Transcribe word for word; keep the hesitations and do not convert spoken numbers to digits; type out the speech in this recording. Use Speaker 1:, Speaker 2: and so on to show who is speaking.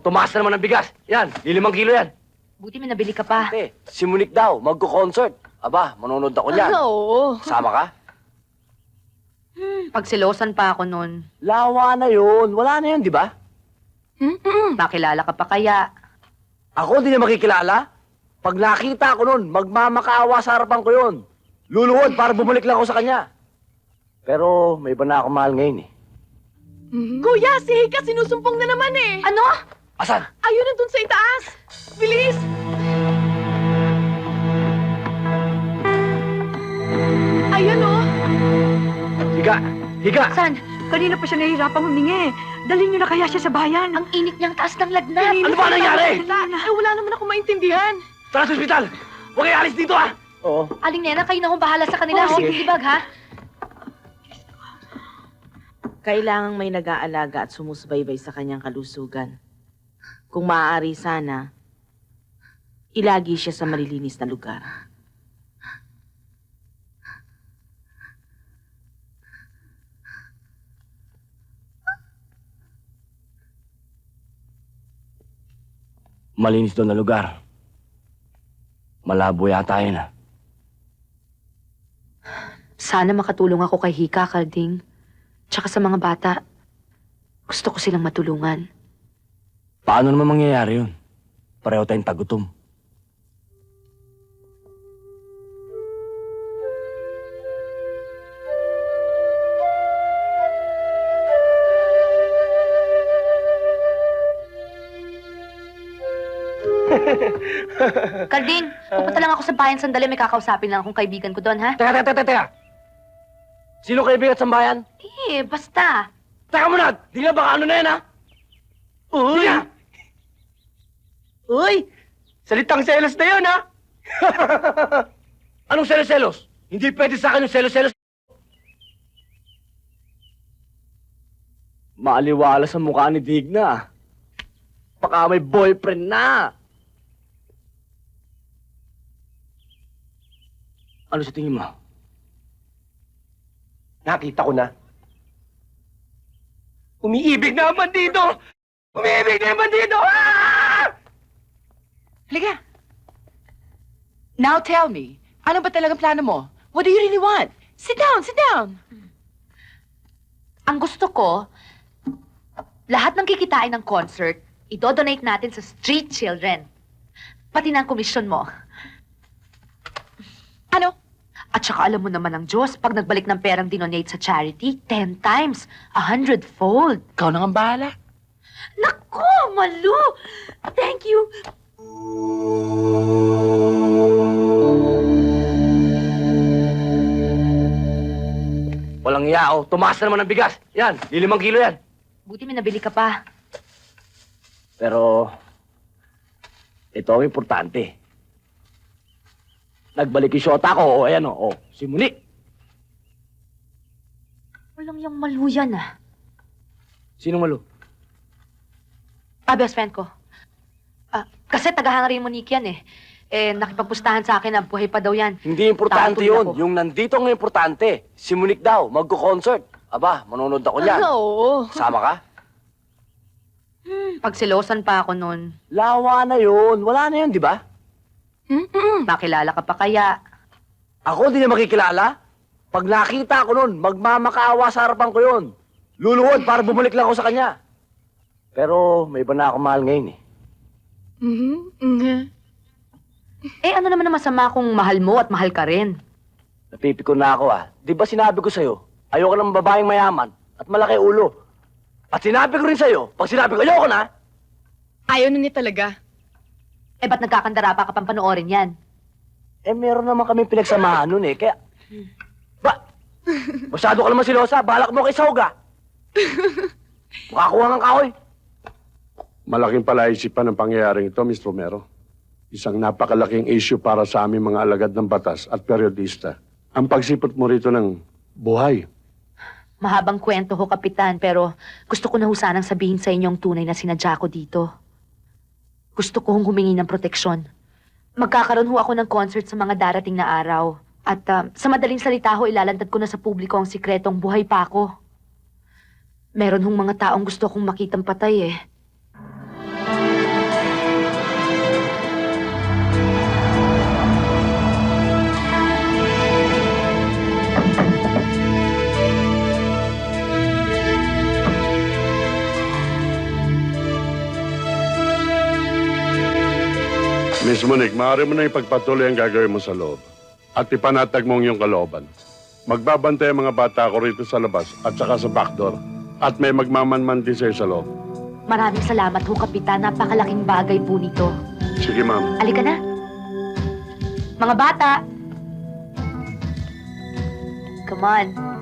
Speaker 1: tumaas na naman ang bigas. Yan, lilimang kilo yan.
Speaker 2: Buti may nabili ka pa.
Speaker 1: Ate, si Monique daw, magko-concert. Aba, manonood ako niyan.
Speaker 3: Oo.
Speaker 1: Sama ka?
Speaker 2: Hmm, pagsilosan pa ako nun.
Speaker 1: Lawa na yun. Wala na yun, di ba?
Speaker 2: Nakilala ka pa kaya?
Speaker 1: Ako hindi niya makikilala. Pag nakita ko nun, magmamakaawa sa harapan ko yun. Luluhod para bumalik lang ako sa kanya. Pero may iba na ako mahal ngayon eh.
Speaker 3: Kuya, si Hika sinusumpong na naman eh.
Speaker 2: Ano?
Speaker 1: Asan?
Speaker 3: Ayun na dun sa itaas. Bilis! Ayun oh.
Speaker 1: Higa! Higa!
Speaker 4: San? Kanina pa siya nahihirapang humingi. Dalhin niyo na kaya siya sa bayan.
Speaker 2: Ang init niyang taas ng lagnat.
Speaker 1: Ano ba nangyari?
Speaker 3: Eh, wala naman ako maintindihan.
Speaker 1: Tara sa ospital! Huwag kayo alis dito ah! Oo.
Speaker 2: Aling Nena, kayo na kong bahala sa kanila.
Speaker 4: Oh,
Speaker 2: Oh,
Speaker 4: sige.
Speaker 2: Ibag, ha?
Speaker 5: Kailangang may nag-aalaga at sumusubaybay sa kanyang kalusugan. Kung maaari sana, ilagi siya sa malilinis na lugar.
Speaker 1: Malinis doon na lugar. Malabo yata yun ah.
Speaker 2: Sana makatulong ako kay Hika, Kalding. Tsaka sa mga bata. Gusto ko silang matulungan.
Speaker 1: Paano naman mangyayari yun? Pareho tayong tagutom.
Speaker 2: Kalding, pupunta lang ako sa bayan sandali. May kakausapin lang akong kaibigan ko doon, ha?
Speaker 1: Teka, teka, teka, teka! Sino kaibigan at sambayan?
Speaker 2: Eh, basta.
Speaker 1: Teka muna! Di nga baka ano na yan ha? Uy!
Speaker 3: Uy!
Speaker 1: Salitang selos na yun ha? Anong selos-selos? Hindi pwede sa akin yung selos-selos. Maaliwala sa mukha ni Digna. Baka may boyfriend na. Ano sa tingin mo? Nakita ko na. Umiibig na ang bandido! Umiibig na ang bandido! Ah!
Speaker 6: Halika. Now tell me, ano ba talagang plano mo? What do you really want? Sit down, sit down.
Speaker 2: Ang gusto ko, lahat ng kikitain ng concert, idodonate natin sa street children. Pati na ang komisyon mo.
Speaker 6: Ano?
Speaker 2: At saka alam mo naman ang Diyos, pag nagbalik ng perang dinonate sa charity, ten times, a hundredfold.
Speaker 6: Ikaw nang ang bahala.
Speaker 2: Naku, Malu! Thank you!
Speaker 1: Walang yao. Tumaas na naman ang bigas. Yan, lilimang kilo yan.
Speaker 2: Buti may nabili ka pa.
Speaker 1: Pero, ito ang importante. Nagbalik yung shota ko, o ayan o, o, si Monique.
Speaker 2: Walang yung Malu yan, ah.
Speaker 1: Sino Malu?
Speaker 2: Ah, best friend ko. Ah, kasi tagahanga rin Monique yan, eh. Eh, nakipagpustahan sa akin na buhay pa daw yan.
Speaker 1: Hindi importante
Speaker 2: Tatol
Speaker 1: yun.
Speaker 2: ako.
Speaker 1: Yung nandito ang importante. Si Monique daw, magko-concert. Aba, manonood ako niyan.
Speaker 3: Oo.
Speaker 1: Sama ka?
Speaker 2: Hmm, pagsilosan pa ako nun.
Speaker 1: Lawa na yun. Wala na yun, di ba?
Speaker 2: Nakilala ka pa kaya?
Speaker 1: Ako hindi niya makikilala. Pag nakita ko nun, magmamakaawa sa harapan ko yun. Luluhod para bumalik lang ako sa kanya. Pero may iba na ako mahal ngayon eh.
Speaker 3: Mhm. Mhm.
Speaker 2: Eh, ano naman ang masama kung mahal mo at mahal ka rin?
Speaker 1: Napipikon na ako ah. Di ba sinabi ko sa'yo, ayoko ng babaeng mayaman at malaki ulo. At sinabi ko rin sa'yo, pag sinabi ko ayoko na,
Speaker 3: Ayaw na niya talaga.
Speaker 2: Eh, ba't nagkakandara pa ka pang panoorin yan?
Speaker 1: eh meron naman kami pinagsamahan nun eh. Kaya, ba, masyado ka naman silosa, balak mo kay Sauga. Makakuha ng kahoy.
Speaker 7: Malaking palaisipan ang pangyayaring ito, Miss Romero. Isang napakalaking issue para sa aming mga alagad ng batas at periodista. Ang pagsipot mo rito ng buhay.
Speaker 2: Mahabang kwento ho, Kapitan, pero gusto ko na ho sanang sabihin sa inyo ang tunay na sinadya ko dito. Gusto ko hong humingi ng proteksyon. Magkakaroon ho ako ng concert sa mga darating na araw. At ah, sa madaling salita ho, ilalantad ko na sa publiko ang sikretong buhay pa ako. Meron hong mga taong gusto kong makitang patay eh.
Speaker 7: Miss Monique, maaari mo na ipagpatuloy ang gagawin mo sa loob. At ipanatag mong iyong kalooban. Magbabantay ang mga bata ko rito sa labas at saka sa backdoor. At may magmamanman din sa'yo sa loob.
Speaker 2: Maraming salamat ho, Kapitan. Napakalaking bagay po nito.
Speaker 7: Sige, ma'am.
Speaker 2: Alika na. Mga bata! Come on.